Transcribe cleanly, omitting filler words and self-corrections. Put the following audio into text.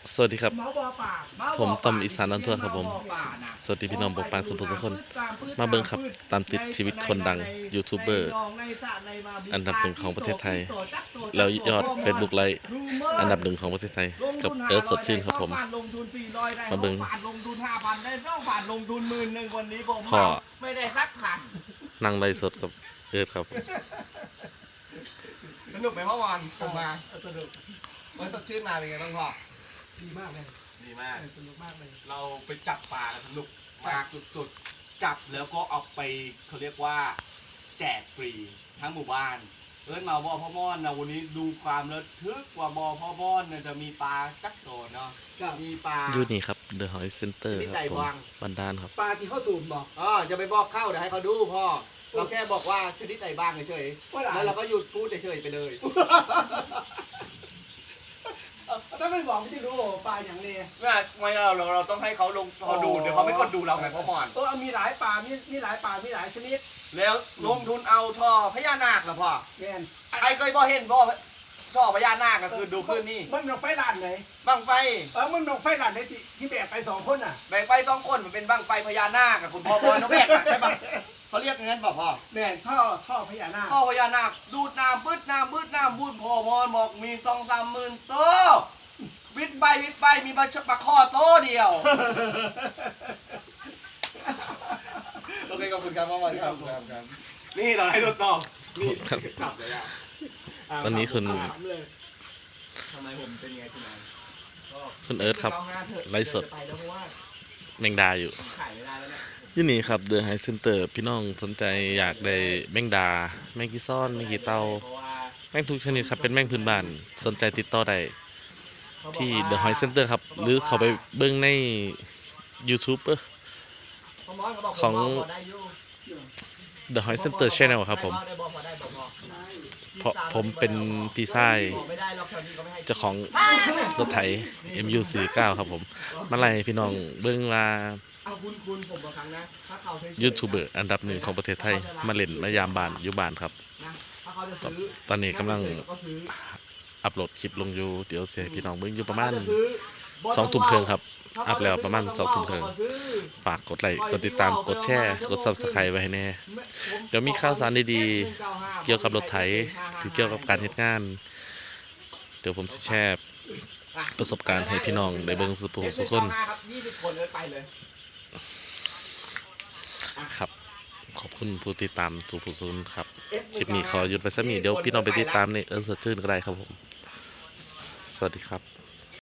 สวัสดีครับผมต้อมอีสานอันทั่วครับผมสวัสดีพี่น้องปกปางทุกคนมาเบิ่งครับตามติดชีวิตคนดังยูทูบเบอร์อันดับหนึ่งของประเทศไทยแล้วยอดเฟซบุ๊กไลค์อันดับหนึ่งของประเทศไทยกับเอิร์ธสดชื่นครับผมมาเบิ่งพ่อไม่ได้สักพันนั่งไลฟ์สดกับเอิร์ธครับสนุกไหมเมื่อวานผมมาสนุกมันสดชื่นมาเป็นไงบ้างพ่อดีมากเลยดีมากสนุกมากเลยเราไปจับปลาสนุกมากสุดๆจับแล้วก็เอาไปเขาเรียกว่าแจกฟรีทั้งหมู่บ้านมาบ่อพ่อม่อนนะวันนี้ดูความระทึกว่าบ่อพ่อม่อนเนี่ยจะมีปลาจักโตเนาะมีปลาอยู่นี่ครับ The Hoist Center ครับผมบันดาลครับปลาที่เข้าสูบบอกจะไปบอกเข้าเดี๋ยวให้เขาดูพ่อเราแค่บอกว่าชนิดไหนบ้างเฉยๆแล้วเราก็หยุดพูดเฉยๆไปเลยถ้าไม่บอกไม่จะรู้ปลาอย่างนี้ไม่เราต้องให้เขาลงเขาดูเดี๋ยวเขาไม่กดดูเราไงพ่อหมอนมีหลายปลามีหลายปลามีหลายชนิดแล้วลงทุนเอาท่อพญานาคเหรอพ่อแม่นใครเคยพ่อเห็นพ่อท่อพญานาคก็คือดูขึ้นนี่มึงนกไฟลานไหนบังไฟมึงนกไฟลานไหนที่แบกไป2 คนแบกไป2 คนมันเป็นบังไฟพญานาคกับคุณพ่อน้องแบกใช่ปะเขาเรียกอย่างนั้นป่ะพ่อแม่นท่อพญานาคท่อพญานาคดูดน้ำบึ้ดน้ำบุญพ่อมอนบอกมี2-3 หมื่นตัววิทย์ใบมีปลาข้อโตเดียวโอเคขอบคุณครับพ่อมอนครับนี่เราให้รถต่อนี่ขับเลยอ่ะตอนนี้คุณทำไมผมเป็นไงคุณเอิร์ธครับไลฟ์สดแมงดาอยู่ยี่นี่ครับ The Hoist Center พี่น้องสนใจอยากได้แมงดาแมงกีซ้อนแมงกีเตาแมงทุกชนิดครับเป็นแมงพื้นบ้านสนใจติดต่อได้ที่ The Hoist Center ครับหรือเขาไปเบิ่งใน YouTube ของ The Hoist Center Channel ครับผมเป็นพี่ชายเจ้าของรถไถ MU49 ครับผมมาไล่พี่น้องเบิ่งว่ายูทูบเบอร์อันดับหนึ่งของประเทศไทยมาเล่นมายามบ้านอยู่บ้านครับตอนนี้กำลังอัปโหลดคลิปลงอยู่เดี๋ยวเสียพี่น้องเบิ่งอยู่ประมาณ20:30 นครับอัพแล้วประมาณ20:30 นฝากกดไลค์กดติดตามกดแชร์กด Subscribe ไว้ให้แน่เดี๋ยวมีข่าวสารดีๆเกี่ยวกับรถไถหรือเกี่ยวกับการเฮ็ดงานเดี๋ยวผมจะแชร์ประสบการณ์ให้พี่น้องได้เบิ่งสุกคนครับขอบคุณผู้ติดตามทุกผู้ชมครับคลิปนี้ขอหยุดไปสักนิดเดี๋ยวพี่น้องไปติดตามในเอิร์ธสดชื่นก็ได้ครับผมสวัสดีครับ